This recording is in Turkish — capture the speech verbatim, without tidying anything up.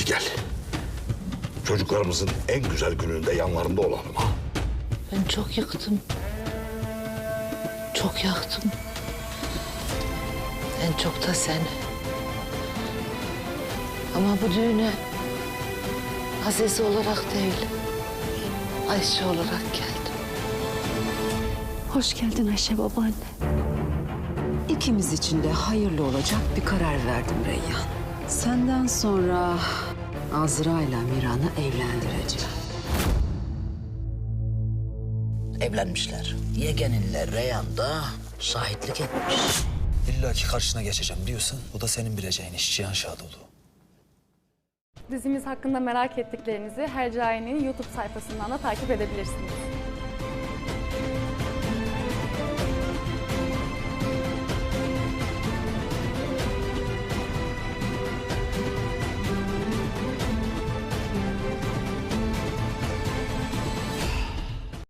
gel. Çocuklarımızın en güzel gününde yanlarında olalım ha. Ben çok yıktım. Çok yaktım. En çok da seni. Ama bu düğüne Azize olarak değil, Ayşe olarak geldim. Hoş geldin Ayşe babaanne. İkimiz için de hayırlı olacak bir karar verdim Reyyan. Senden sonra Azra ile Miran'ı evlendireceğim. Evlenmişler. Yegeninle Reyhan da şahitlik etmiş. İlla ki karşına geçeceğim diyorsan bu da senin bileceğin iş Cihan Şadoğlu. Dizimiz hakkında merak ettiklerinizi Hercai'nin YouTube sayfasından da takip edebilirsiniz.